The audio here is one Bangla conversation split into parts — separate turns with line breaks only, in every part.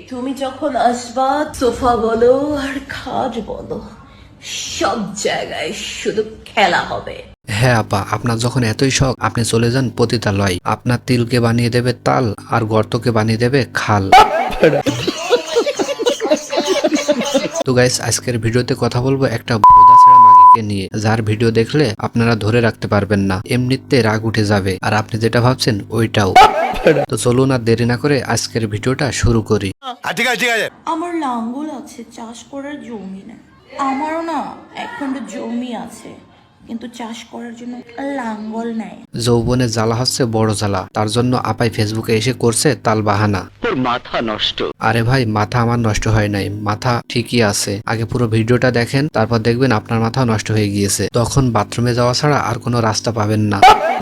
তুমি যখন আসবা সোফা বলো আর খাট বলো সব জায়গায় শুধু খেলা হবে।
হ্যাঁ আপা, আপনার যখন এতই শখ আপনি চলে যান পতিতালয়। আপনার তিলকে বানিয়ে দেবে তাল আর গর্তকে বানিয়ে দেবে খাল। তো গাইস, আজকের ভিডিওতে কথা বলবো একটা ভোদাছাড়া মাগিকে নিয়ে, যার ভিডিও দেখলে আপনারা ধরে রাখতে পারবেন না, এমনিতে রাগ উঠে যাবে আর আপনি যেটা ভাবছেন ওইটাও। তো চলুন আর দেরি না করে আজকের ভিডিওটা শুরু করি।
ঠিক আছে
আমার লাঙ্গল আছে, চাষ করার জমি না। আমারও না একখণ্ড জমি আছে, কিন্তু চাষ করার জন্য লাঙ্গল নাই।
যৌবনের জ্বালা হচ্ছে বড় জ্বালা, তার জন্য আপাই ফেসবুকে এসে করছে তাল বাহানা।
তোর মাথা নষ্ট।
আরে ভাই, মাথা আমার নষ্ট হয় নাই, মাথা ঠিকই আছে। আগে পুরো ভিডিওটা দেখেন, তারপর দেখবেন আপনার মাথা নষ্ট হয়ে গিয়েছে। তখন বাথরুমে যাওয়া ছাড়া আর কোনো রাস্তা পাবেন না।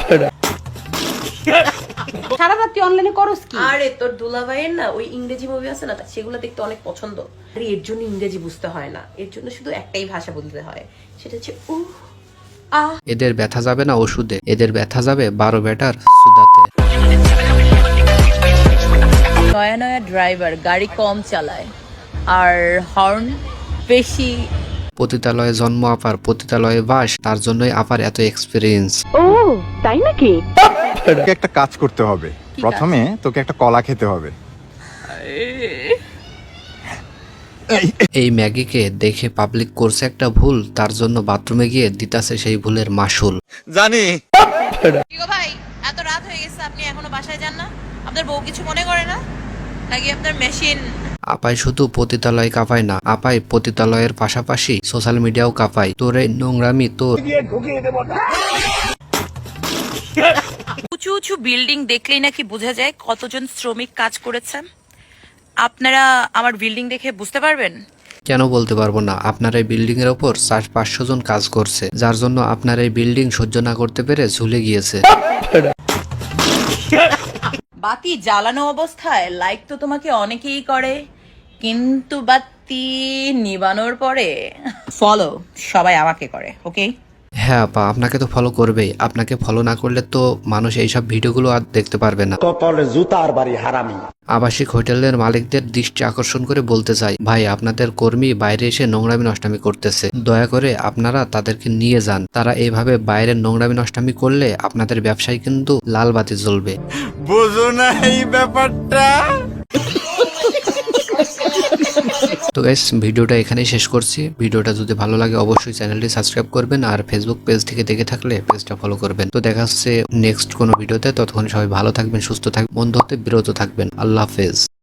সারা রাত তুই অনলাইনে করস কি?
আরে তোর দুলাভাইয়ের না ওই ইংরেজি মুভি আছে না, সেগুলো দেখতে অনেক পছন্দ। আরে এর জন্য ইংরেজি বুঝতে হয় না, এর জন্য শুধু একটাই ভাষা বলতে হয়, সেটা হচ্ছে
এদের ব্যথা যাবে না ওষুধে, এদের ব্যথা যাবে 12 ব্যাটার সুদাতে।
নয়া নয়া ড্রাইভার গাড়ি কম চালায় আর হর্ন বেশি।
পতিতালয়ে জন্ম আপার, পতিতালয়ে বাস, তার জন্যই আপার এত এক্সপিরিয়েন্স।
ও তাই নাকি?
তোকে একটা কাজ করতে হবে। প্রথমে তোকে একটা কলা খেতে হবে।
এই ম্যাগিকে দেখে পাবলিক করছে একটা ভুল, তার জন্য বাথরুমে গিয়ে দিতাছে সেই ভুলের মাসুল।
জানি
ভাই এত রাত হয়ে গেছে, আপনি এখনো বাসায় যান না? আপনার বউ কিছু মনে করে না নাকি আপনার মেশিন?
আপাই শুধু পতিতালয় কাঁপায় না, আপাই পতিতালয়ের পাশাপাশি সোশ্যাল মিডিয়াও কাঁপায়। তোর এই নোংরামি তোর।
উঁচু উঁচু বিল্ডিং দেখলেই নাকি বোঝা যায় কতজন শ্রমিক কাজ করেছেন। আপনারা আমার বিল্ডিং দেখে বুঝতে পারবেন?
কেন বলতে পারবো না, আপনার এই বিল্ডিং এর ওপর 400-500 জন কাজ করছে, যার জন্য আপনার এই বিল্ডিং সহ্য না করতে পেরে ঝুলে গিয়েছে।
বাতি জ্বালানো অবস্থায় লাইক তো তোমাকে অনেকেই করে, কিন্তু বাতি নিবানোর পরে ফলো সবাই আমাকে করে। ওকে?
হ্যাঁ আপা, আপনাকে তো ফলো করবেই। আপনাকে ফলো না করলে তো মানুষ এইসব ভিডিওগুলো আর দেখতে পারবে না।
কপালে জুতার বাড়ি হারামি।
আবাসিক হোটেলের মালিকদের দৃষ্টি আকর্ষণ করে বলতে চাই, ভাই আপনাদের কর্মী বাইরে এসে নোংরামি নষ্টামি করতেছে, দয়া করে আপনারা তাদেরকে নিয়ে যান। তারা এইভাবে বাইরের নোংরামি নষ্টামি করলে আপনাদের ব্যবসায় কিন্তু লাল বাতি জ্বলবে।
বুঝো না এই ব্যাপারটা।
তো গাইস, ভিডিওটা এখানেই শেষ করছি। ভিডিওটা যদি ভালো লাগে অবশ্যই চ্যানেলটি সাবস্ক্রাইব করবেন, আর ফেসবুক পেজ থেকে দেখে থাকলে পেজটা ফলো করবেন। তো দেখা হচ্ছে নেক্সট কোনো ভিডিওতে। ততক্ষণ সবাই ভালো থাকবেন, সুস্থ থাকবেন, বন্ধু হতে বিরত থাকবেন। আল্লাহ হাফেজ।